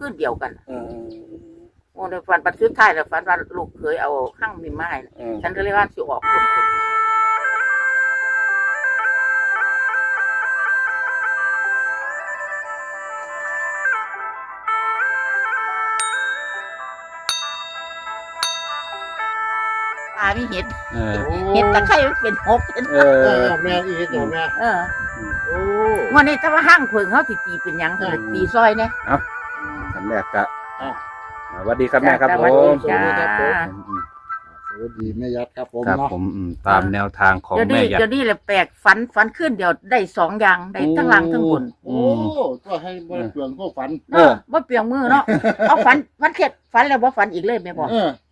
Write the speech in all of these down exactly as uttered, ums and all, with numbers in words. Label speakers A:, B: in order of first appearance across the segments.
A: ขึ้นเดียวกัน
B: เออ
A: โอ้ในฝันปัจจุบันท้ายแล้วฝันว่าลูกเคยเอาหั่งมีไม้ฉันก็เลยว่าสิออกคนตามีเห็ดเห็ดตะไคร้มันเป็นหก
B: เออ
C: แม่อีเห็ดเดี๋ยวแม่
A: เออ
C: โอ้
A: วันนี้ถ้าว่าห้างเพิงเขาสิตีเป็นยังคือตีซอยเนี่ย
B: เอ้าคำแรกก็สวัสดีครับแม่ครับผม
A: จ้า
C: สวัสดีแม่ยัดครับผม
B: ครับผมตามแนวทางของแม่ยัด
A: เดี๋ยวนี้แหละแปลกฝันฝันขึ้นเดี๋ยวได้สองอย่างได้ทั้งล่างทั้งบน
C: โอ้ก็ให้บ่เปลืองพวกฝัน
A: เออบ่เปลืองมือเนาะเอาฝันฝันเข็ดฝันแล้วบ่ฝันอีกเลยแม่บอก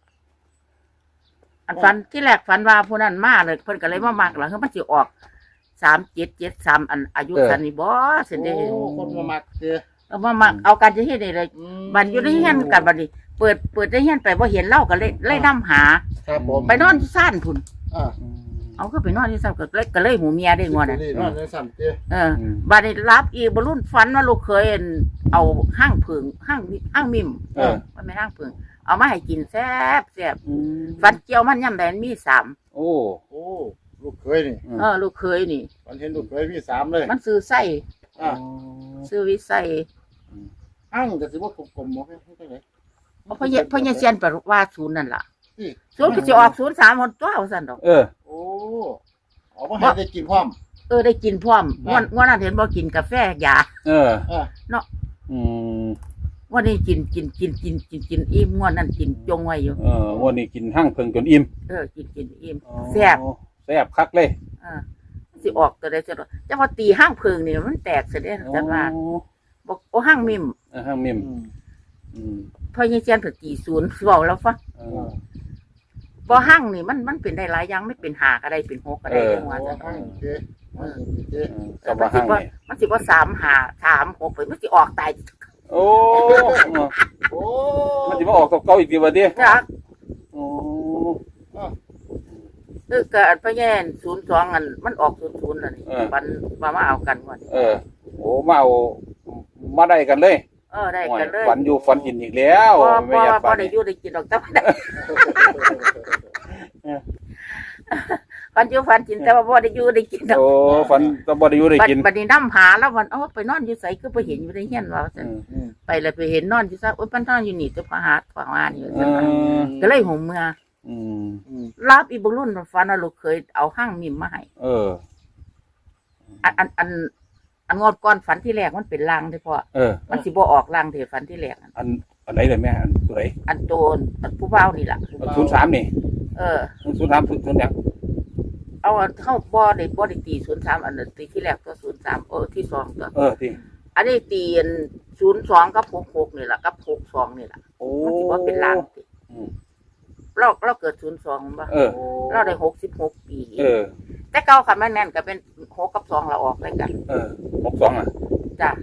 A: อันฝันที่แรกฝันว่าผู้นั้นมาเลยเพิ่นก็เลยมามากหลังคือมันสิออกสามเจ็ดเจ็ดสามอันอายุสันนี่บ่เสินเด้
C: โอ้คนมามักเด้อ
A: เอามามักเอากันจะเฮ็ดได้เลยบัดอยู่ในเฮียนกันบัดนี้เปิดเปิดได้เฮียนไปบ่เห็นเล่าก็เลยเลยนำหา
C: ครับผม
A: ไปนอนที่ซ่านพุ่น
C: อ่า
A: เอาก็ไปนอนที่ซ่านก็เลยก็เลยหูเมียได้งวน่ะ
C: นอนในซ่านเด้อ
A: เออบัดนี้รับอีบ่รุ่นฝันว่าลูกเคยเอาห้างผึ่งห้างห้างมิมเออมันไม่ห้างผึ่งเอามาให้กินแซ่บแซ่บฝันเจียวมันย่ำใดมีสาม
B: โอ้
C: โอ้ลูกเคยนี่
A: เออลูกเคยนี่
C: มันเห็นลูกเคยมีสามเลย
A: มันซื้อไส้
C: อ่า
A: ซื้อวิไส้
C: อ้างแต่สิว่ากลมๆบ่ให้จังได๋
A: เพราะพ่อพ่อเซียนแปลว่าศูนย์นั่นล่ะศูนย์ก็สิออกศูนย์สามหมดตัวเอาซั่นดอก
B: เออ
C: โอ้เอาบ่ให้ได้กินพร้อม
A: เออได้กินพร้อมงวดงวดนั้นเห็นบ่กินกาแฟยา
B: เออ
A: เนาะ
B: อืม
A: วันนี้กินกินกินกินกินกินอิ่มงวดนั้นกินจงไว้อยู่
B: เออวันนี้กินหั่งเพิ่งจนอิ่ม
A: เออกินกินอิ่มแซ่บ
B: แซ่บคักเลย
A: เออสิออกตัวได้จังจังว่าตีหั่งเพิ่งนี่มันแตกซะเด้จังว่าบ่โอ้หั่งมิม
B: เออหั่งมิม
A: อืมพ่อเซียนเพิ่นตีศูนย์เว้าแล้วฟังบ่หั่งนี่มันมันเป็นได้หลายอย่างไม่เป็นห้าก็ได้เป็นหกก็ได้จังว่าจังเออเออมันสิบ่มันสิบ่สาม ห้า สาม หกไปมันสิออกตาย
B: โอ้โอ้มันจะมาออกกับเก่าอีกทีวันนี้
A: จ้ะ
B: โอ้
A: เออก็พะแย่นศูนย์สองอันมันออกศูนย์ศูนย์อันนี้มันมามาเอากันก่อน
B: เออโอ้มาเอามาได้กันเลย
A: เออได้กันเลย
B: ฝันอยู่ฝันกินอีกแล้ว
A: ไม่อยากฝันได้อยู่ได้กินดอกแต่ฝันอยู่ฝันกินแต่ว่าบ่ได้อยู่ได้กินดอก
B: โอ้ฝันแต่บ่ได้อยู่ได้กิน
A: บัดนี้นำหาแล้ววันเอ้าไปนอนอยู่ไสคือไปเห็นอยู่ในเฮียนว่าซั่นไปแล้วไปเห็นนอนอยู่ซะโอ๊ยมันนอนอยู่นี่ตัวพหาฝางานอยู่ซั่นก็เลยหูเมื่อ
B: อืม
A: รับอีบ่รุ่นฝันว่าลูกเคยเอาหั่งมิมมาให้
B: เออ
A: อันอันอันอันงอดก่อนฝันที่แรกมันเป็นลางเด้อพ่อ
B: เออ
A: มันสิบ่ออกลางเด้อฝันที่แรก
B: อันอันไหนเลยแม่อันตัวไหน
A: อันโตนอันผู้เฒ่านี่ล่ะ
B: ศูนย์สามนี่
A: เออ
B: ศูนย์สามศูนย์ศูนย์ยัง
A: เอาเข้าบ่ได้บ่ได้ตีศูนย์สามอันตีที่แรกก็ศูนย์สามเออที่สองตัว
B: เออที่
A: อันนี้ตีศูนย์สองกับหกหกนี่ล่ะกับหกสองนี่ล่ะ
B: โอ้
A: มันสิว่าเป็นลางติเราเราเกิดศูนย์สองบ่เราได้หกสิบหกปี
B: เออ
A: แต่เก่าคันแม่นๆก็เป็นหกกับสองเราออกได้กัน
B: เออหกสองอ่ะ
A: จ้ะ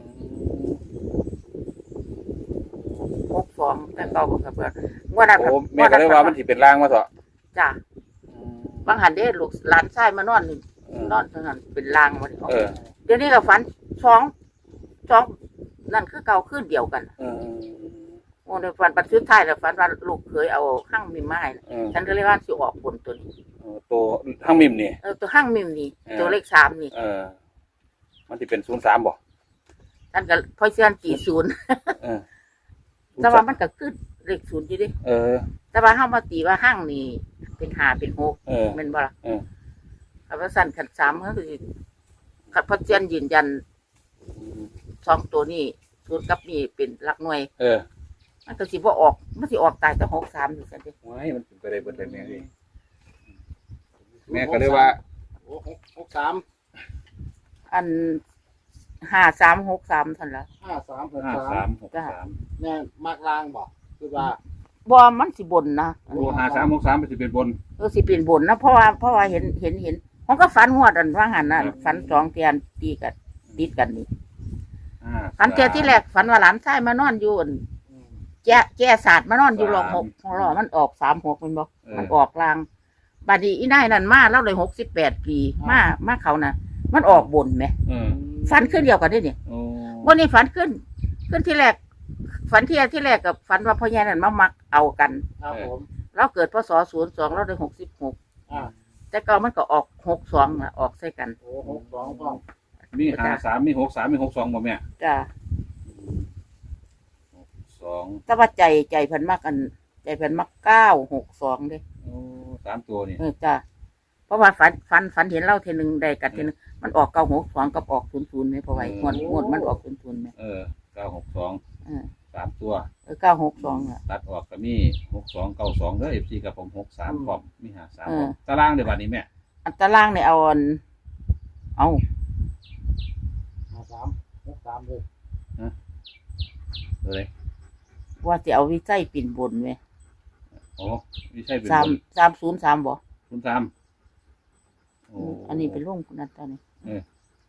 A: หกสองแต่เก่าก็เบิดงวดนั้น
B: โอ้แม่ก็เลยว่ามันสิเป็นลางมาเถอะ
A: จ้ะบางหันเด้ลูกหลานชายมานอนนี่นอนเท่านั้นเป็นลางบ่ได้ออกเดี๋ยวนี้ก็ฝันสองสองนั่นคือเก่าคืนเดียวกัน
B: เออ
A: โอ้ในฝันปัจจุบันท้ายแล้วฝันว่าลูกเคยเอาหั่งมิมมาให้ฉันก็เลยว่าสิออกผลตัวนี้
B: ตัวหั่งมิมนี่
A: เออตัวหั่งมิมนี่ตัวเลขสามนี่
B: เออมันสิเป็นศูนย์สามบ่
A: ฉันก็พอเชื่อตีศูนย์เออแต่ว่ามันก็คือเลขศูนย์อยู่ดิ
B: เออ
A: แต่ว่าเฮามาตีว่าหั่งนี่เป็นห้าเป็นหกแม่นบ่ล่ะ
B: เออ
A: คันว่าสั่นคันสามก็คือคันพอเชื่อยืนยันสองตัวนี้ศูนย์กับนี่เป็นหลักหน่วย
B: เออ
A: มันก็สิบ่ออกมันสิออกตายแต่หกสามอยู่ซั่นดิ
B: โอ้ยมันเป็นไปได้เบิดเลยแม่นี่แม่ก็เลยว่า
C: โอ้หกสาม
A: อันห้าสามหกสามซั่นล่ะ
C: ห้าสามหก
B: สามหกสาม
C: แม่มักลางบ่คือว่า
A: บ่มันสิบนนะ
B: โอ้ห้าสามหกสามมันสิเป็นบน
A: เออสิเป็นบนนะเพราะว่าเพราะว่าเห็นเห็นเห็นมันก็ฝันงวดอันว่าหันน่ะฝันสองเทียนตีกันติดกันนี่ฝันเทียที่แรกฝันว่าหลานชายมานอนอยู่แก่แก่ศาสตร์มานอนอยู่รอหกรอมันออกสามหกมันบอกมันออกลางบัดนี้อีนายนั่นมาแล้วเลยหกสิบแปดปีมามาเขาน่ะมันออกบนไหมฝันขึ้นเดียวกันได้เนี่ยวันนี้ฝันขึ้นขึ้นที่แรกฝันที่ที่แรกกับฝันว่าพ่อใหญ่นั่นมามักเอากัน
C: ครับผม
A: เราเกิดพศศูนย์สองเราได้หกสิบหก
C: อ่า
A: แต่เก่ามันก็ออกหกสองอ่ะออกใส่กัน
C: โอ้หกสองพ่อม
B: มีห้าสามมีหกสามมีหกสองบ่แม่
A: จ้า
B: สอง
A: แต่ว่าใจใจเพิ่นมักอัน ใจเพิ่นมักเก้าหกสองเด้
B: โอ้สามตัวนี่
A: เออจ้าเพราะว่าฝันฝันฝันเห็นเล่าเทนึงได้กันเทนึงมันออกเก้าหกสองกับออกศูนย์ศูนย์ไหมเพราะว่าหมดหมดมันออกศูนย์ศูนย์ไหม
B: เออเก้าหกสอง
A: เออ
B: สามตัว
A: เออเก้าหกสองอ่ะ
B: ตัดออกก็มีหกสองเก้าสองเด้อเอฟซีกับผมหกสามพร้อมมีห้าสาม
A: เออ
B: ตารางเดี๋ยวบัดนี้แม่
A: อันตารางเนี่ยเอาอันเอา
C: ห้าสามหกสามเลย
B: ตัวเลย
A: ว่าจะเอาวิจัยปิ่นบนไหม
B: โอ้ไม่ใช่เป็น
A: สามสามศูนย์สามบ่
B: คุณสามโอ้
A: อันนี้เป็นร่วงนั่นตอนนี้
B: เออ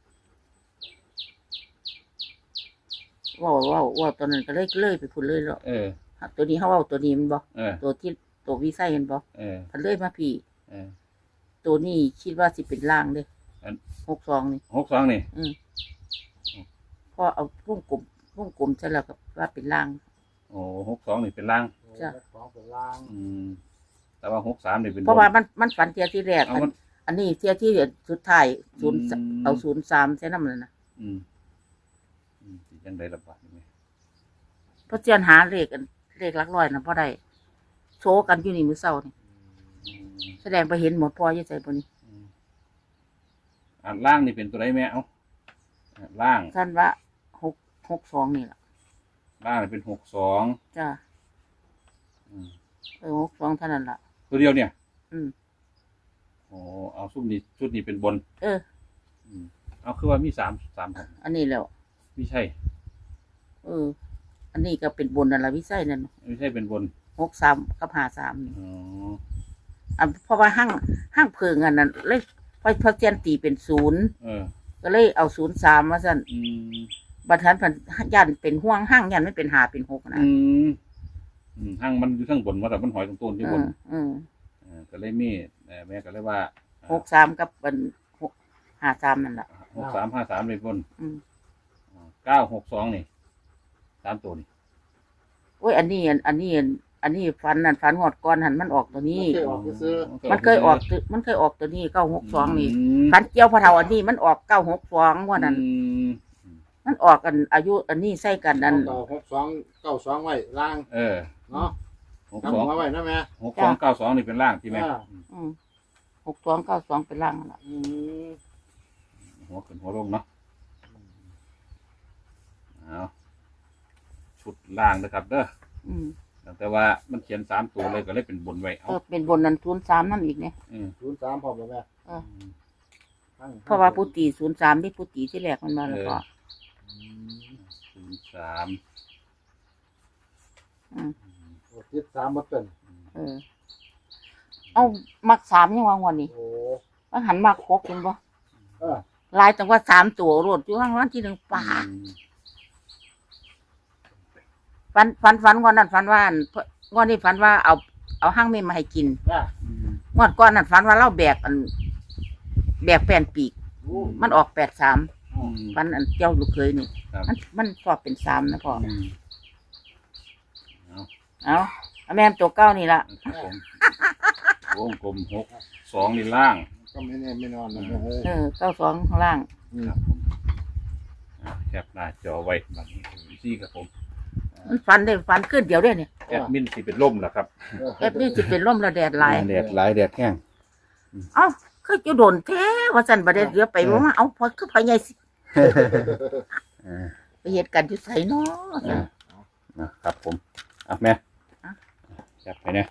A: ว่าว่าว่าตอนนั้นก็เลยเลยไปพุ่นเลยแล้ว
B: เออ
A: ตัวนี้เขาว่าตัวนี้มันบ่
B: เออ
A: ตัวที่ตัววิไซเห็นบ่
B: เออ
A: พันเลยมาพี่
B: เออ
A: ตัวนี้คิดว่าสิเป็นล่างเด้
B: อัน
A: หกสองนี่
B: หกสองนี่
A: อืมพอเอาวงกลมวงกลมใช่แล้วก็ว่าเป็นล่าง
B: โอ้หกสองนี่เป็นล่าง
A: จ้ะ
C: หกสองเป็นล่าง
B: อืมแต่ว่าหกสามนี่เป็นบน
A: เพราะว่ามันมันฝันเทียที่แรก
B: เอา
A: อัน
B: มัน
A: อันนี้เทียที่สุดท้ายศูนย์
B: อืม
A: เอาศูนย์สามใช่น้ำเลยนะ
B: อืมอืมสิยังไดระบาดนี่แม่
A: เพราะเจียนหาเลขอันเลขหลักร้อยนะเพราะได้โชว์กันอยู่นี่มือเศร้านี่
B: อืม
A: แสดงไปเห็นหมดพอยี่ใจบนนี้
B: อืมอ่าล่างนี่เป็นตัวไรแม่เอ้าอ่าล่าง
A: ท่านว่าหกหกสองนี่แหละ
B: ล่างนี่เป็นหกสอง
A: จ้า
B: อืม
A: เออหกสองเท่านั้นล่ะ
B: ตัวเดียวเนี่ย
A: อืม
B: โอ้เอาชุดนี้ชุดนี้เป็นบน
A: เออ
B: อืมเอาคือว่ามีสามสามแผ่น
A: อันนี้แล้ว
B: ไม่ใช่
A: เออ อันนี้ก็เป็นบนนั่นละวิสัยนั่น
B: ไม่ใช่เป็นบน
A: หกสามกับหาสามนี่
B: อ๋อ
A: อ่ะเพราะว่าห้างห้างเพิงอันนั้นเลยพอพอเจียนตีเป็นศูนย์
B: เออ
A: ก็เลยเอาศูนย์สามมาสั่น
B: อืม
A: บัดทันพันยันเป็นห่วงห้างยันไม่เป็นหาเป็นหกนะ
B: อืมอืมห้างมันอยู่ข้างบนว่าแต่มันหอยตรงต้นที่
A: เอบ
B: น
A: อเออ
B: เออก็เลยมีเอ่อแม่ก็เลยว่า
A: หกสามกับเป็นหกหาสามนั่นแหละ
B: หกสามห้าสามเลยบน
A: อืม
B: เก้าหกสองนี่สามตัวนี่
A: โอ้ยอันนี้อันอันนี้อันอันนี้ฟันนั่นฟันหอดก้อนหันมันออกตัวนี้
C: เคยออกซื้อ
A: มันเคยออกตัวมันเคยออกตัวนี้เก้าหกสองนี่
B: ม
A: ฟันเจียวพะเทาอันนี้มันออกเก้าหกสองว่านั้น
B: อืม
A: มันออกกันอายุอันนี้ใส่กันอัน
C: เก้าหกสองเก้าสองไว้ล่าง
B: เออ
C: เนาะ
B: หก
C: จำ
B: สอง
C: หัวไว้นะแม่
B: หกสองเก้าสองนี่เป็นล่างที่แม่
C: อ่า
A: อืมหกสองเก้าสองเป็นล่างนั่นล่ะ
C: อืม
B: หัวขึ้นหัวลงเนาะเอาชุดล่างนะครับเด้อ
A: อืม
B: แต่ว่ามันเขียนสามตัวเลยก็เลยเป็นบนไว้
A: เอ
B: เอา
A: อเป็นบนนั้นศูนย์สามนั่นอีกเนี่ย
B: อืม
C: ศูนย์สามพร้อมแล้วแม่
A: เออ
C: ทั้ง
A: เพราะว่าปุตีศูนย์สามที่ปุตีที่แรกมันมาแล้วก็
C: อืม
B: ศูนย์สาม
A: อืม
C: โอ้ติดสามมาเป็น
A: เออ เอามักสามยังวางวันนี้
C: โอ้
A: ว่าหันมักหกเห็นบ่
C: เออ
A: ลายแต่ว่าสามตัวรวดอยู่ข้างวันที่หนึ่งป่า
B: อืม
A: ฟันฟันฟันงอนนั้นฟันว่าอันงอนนี้ฟันว่าเอาเอาห้างเมมมาให้กิน
C: อ่ะ
B: อืม
A: งอนก้อนนั้นฟันว่าเล่าแบกอันแบกแป้นปีก
C: โอ้
A: มันออกแปดสาม
B: อืม
A: ฟันอันเจ้าลูกเคยนี่
B: ครับ
A: มันมันชอบเป็นสามนะพ่อ
B: อืมเอา
A: เอาเอาแม่นตัวเก้านี่ละ
B: ครับผมวงกลมหกสองนี่ล่าง
C: ก็ไม่แน่ไม่นอนนะแม่เอ้ย
A: เออเก้าสองข้างล่าง
B: ครับผมอ่ะแคปหน้าจอไว้บัดนี้ซี่ครับผม
A: มันฟันได้ฟันขึ้นเดียวได้เนี่ย
B: แอดมินสิเป็นล่มแล้วครับ
A: เอฟนี่จะเป็นร่มระแดดหลาย
B: แดดหลายแดดแห้ง
A: เอ้าคือจะโดนแท้ว่าสันประเดี๋ยวเดี๋ยวไปว่ามาเอาพอคือพอใหญ่สิ
B: เออ
A: ไปเหตุการณ์อยู่ใส่เนาะ
B: เออนะครับผมอ่ะแม่
A: อ่ะ
B: จับไปเนี่ย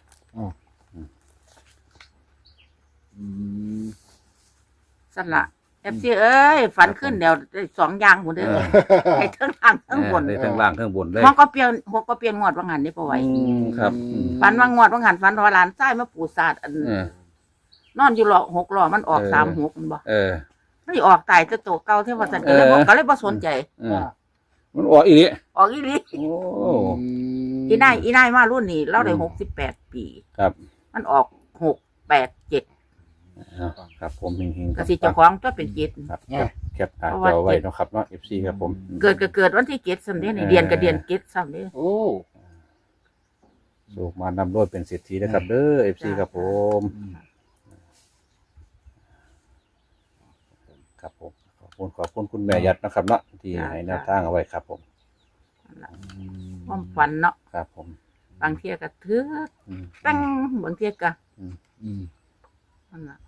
C: อืม
A: สั่นละเอฟซีเอ้ยฝันขึ้นเดี๋ยวได้สองอย่างหมดเลย
B: เออ
A: ให้ทั้งล่างทั้งบน
B: เออได้ทั้งล่างทั้งบนเลย
A: หัวก็เปลี่ยนหัวก็เปลี่ยนงวดว่างหันนี่ปะไว้
B: อืมครับอืม
A: ฝันว่างวดว่างหันฝันว่าหลานใต้มาปูศาสตร์อัน
B: เออ
A: นอนอยู่หลอกหกหล่อมันออก
B: เออ
A: สามหกมันบ่
B: เออ
A: ไม่ออกตายจะโตเก่าเท่าว่าสันก็เลยบอกก็เลยบ่สนใจ
B: เออมันออกอีก
A: ออกอีหลี
B: โอ้
A: อีนายอีนายมารุ่นนี้เราได้หกสิบแปดปี
B: ครับ
A: มันออกหกแปดเจ็ด
B: เอาครับผมเฮงๆ
A: กสิเจ้าของก็เป็นเจ็ด
B: ครับแคปหน้าจอไว้เนาะครับเนาะ เอฟ ซี ครับผม
A: เกิดก็เกิดวันที่เจ็ดซ้ำเด้นี่
B: เออ
A: เดือนก็เดือนเจ็ดซ้ำเด้
B: โอ้สูกมานำรวยเป็นเศรษฐีนะครับเด้อ เอฟ ซี ครับผม ครับผมขอบคุณขอบคุณคุณแม่ยัดนะครับเนาะที่ให้แนวทางเอาไว้ครับผม
A: นั่นล่ะความฝันเนาะ
B: ครับผม
A: บางเที่ยก็ถือ
B: อืม
A: ตั้งบางเที่ยก็
C: อืม
A: นั่นล่ะ